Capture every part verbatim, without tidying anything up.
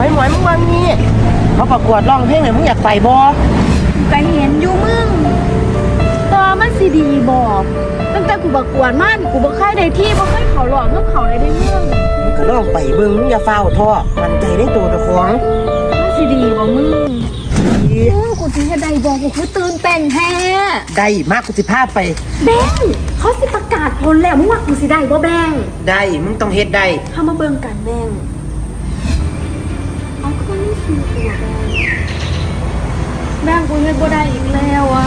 ไอ้หมวยมึงว่างี้เขาประกวดร้องเพลงเลยมึงอยากไปบ่ก็เห็นอยู่มึงตอมันสิดีบ่ตั้งแต่กูประกวดมันกูบ่เคยได้ที่บ่เคยเขาหลอกเมื่อเขาเลยได้เมืองมึงก็ลองไปเบิ่งมึงอย่าฟ้าวท้อมันใจได้ตัวเจ้าของมันสิดีบ่มึงดีเออกูสิเฮ็ดได้บ่กูคือตื่นเต้นแท้ได้มากกูสิพาไปแบงเขาสิประกาศผลแล้วมึงว่ากูสิได้บ่แบงได้มึงต้องเฮ็ดได้เฮามาเบิ่งกันแบงเอาคนนี้สิตัวแบงแบงกูเฮ็ดบ่ได้อีกแล้วอ่ะ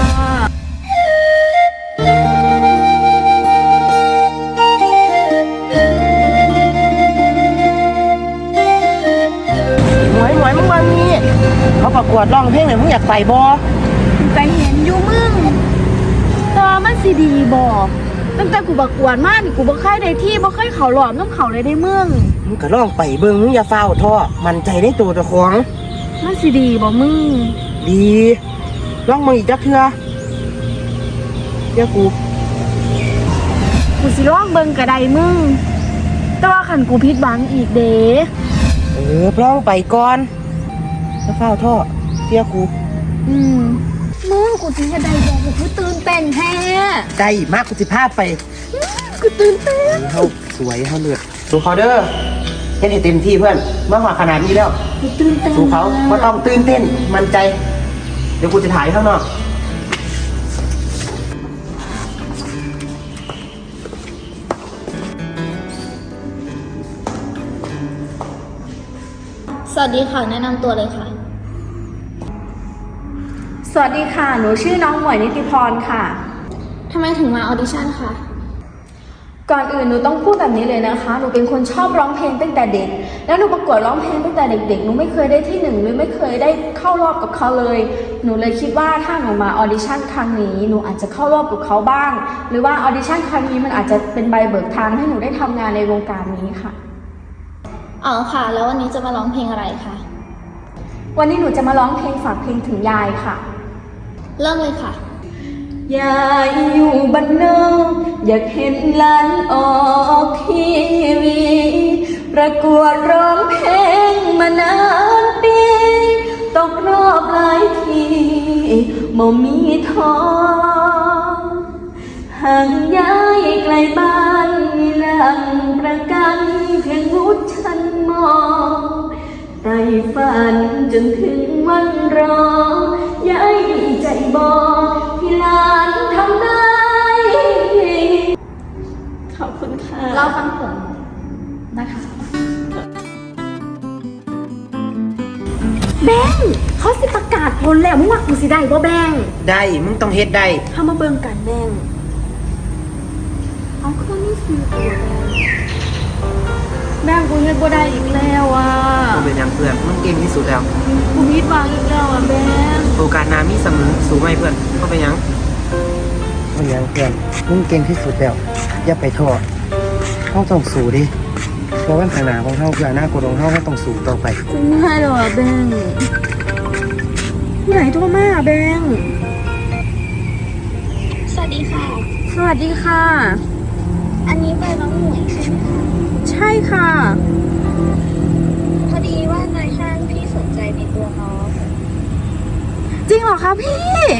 หมวยหมวยมึงว่างี้เขาประกวดร้องเพลงเลยมึงอยากไปบ่กูก็เห็นอยู่มึงตอมันสิดีบ่ตั้งแต่กูประกวดมันกูบ่เคยได้ที่บ่เคยเขาหลอกน้ำเขาเลยได้เมืองมึงก็ลองไปเบิ่งมึงอย่าฟ้าวท้อมันใจได้ตัวเจ้าของมันสิดีบ่มึงดีลองมึงอีกจักเทื่อเดี๋ยวกูกูสิลองเบิ่งก็ได้มึงแต่ว่าคันกูผิดหวังอีกเด้เออลองไปก่อนอย่าฟ้าวท้อเชื่อกูอืมมึงกูสิเฮ็ดได้บ่กูคือตื่นเต้นแท้ได้มากกูสิพาไปกูตื่นเต้นเฮาสวยเฮาเลือดสู้เขาเด้อเฮ็ดให้เต็มที่เพื่อนเมื่อหอดขนาดนี้แล้วกูตื่นเต้นสู้เขาบ่ต้องตื่นเต้นมั่นใจเดี๋ยวกูจะถ่ายข้างนอกสวัสดีค่ะแนะนำตัวเลยค่ะสวัสดีค่ะหนูชื่อน้องหมวยนิติพรค่ะทำไมถึงมาออดิชั่นคะก่อนอื่นหนูต้องพูดแบบนี้เลยนะคะหนูเป็นคนชอบร้องเพลงตั้งแต่เด็กแล้วหนูประกวดร้องเพลงตั้งแต่เด็กๆหนูไม่เคยได้ที่หนึ่งหรือไม่เคยได้เข้ารอบกับเขาเลยหนูเลยคิดว่าถ้าหนูมาออดิชั่นครั้งนี้หนูอาจจะเข้ารอบกับเขาบ้างหรือว่าออดิชั่นครั้งนี้มันอาจจะเป็นใบเบิกทางให้หนูได้ทำงานในวงการนี้ค่ะอ๋อค่ะแล้ววันนี้จะมาร้องเพลงอะไรคะวันนี้หนูจะมาร้องเพลงฝากเพลงถึงยายค่ะเริ่มเลยค่ะยายอยู่บ้านนอกอยากเห็นหลานออกทีวีประกวดร้องเพลงมานานปีตกรอบหลายทีบ่มีท้อห่างย้ายไกลบ้านมีหลังประกันเพียงวุฒิชั้นมอไต่ฝันจนถึงวันรอยายดีใจบอกที่หลานทำได้ขอบคุณค่ะเราฟังผมนะคะแบงเขาสิประกาศผลแล้วมึงว่ากูสิได้บ่แบงได้มึงต้องเฮ็ดได้เฮามาเบิ่งกันแบงเอาคนนี้สิตัวแบงกูเฮ็ดบ่ได้อีกแล้วอ่ะกูเป็นยังเพื่อนมึงเก่งที่สุดแล้วกูผิดหวังอีกแล้วอ่ะแบงโอกาสหน้ามีเสมอสู้ไหมเพื่อนก็เป็นยังเป็นยังเพื่อนมึงเก่งที่สุดแล้วอย่าไปท้อเฮาต้องสู้ดิเพราะว่าข้างหน้าของเฮาคืออนาคตของเฮาเฮาต้องสู้ต่อไปกูไม่ให้หรอกแบงผู้ไหนโทรมาแบงสวัสดีค่ะสวัสดีค่ะอันนี้เบอร์น้องหมวยใช่ไหมคะใช่ค่ะพอดีว่านายห้างพี่สนใจในตัวน้องจริงเหรอคะพี่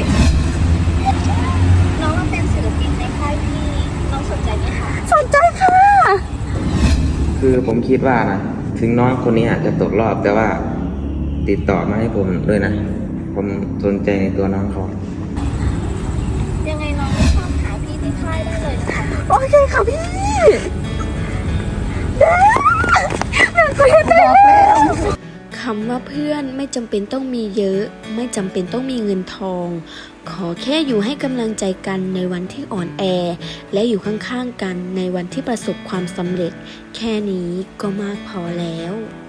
น้องมาเป็นศิลปินในค่ายพี่น้องสนใจไหมคะสนใจค่ะคือผมคิดว่านะถึงน้องคนนี้อาจจะตกรอบแต่ว่าติดต่อมาให้ผมด้วยนะผมสนใจในตัวน้องเขายังไงน้องเข้าหาพี่ที่ค่ายได้เลยนะคะโอเคค่ะพี่เด้แม่ก็เห็นแล้วคำว่าเพื่อนไม่จำเป็นต้องมีเยอะไม่จำเป็นต้องมีเงินทองขอแค่อยู่ให้กำลังใจกันในวันที่อ่อนแอและอยู่ข้างๆกันในวันที่ประสบความสำเร็จแค่นี้ก็มากพอแล้ว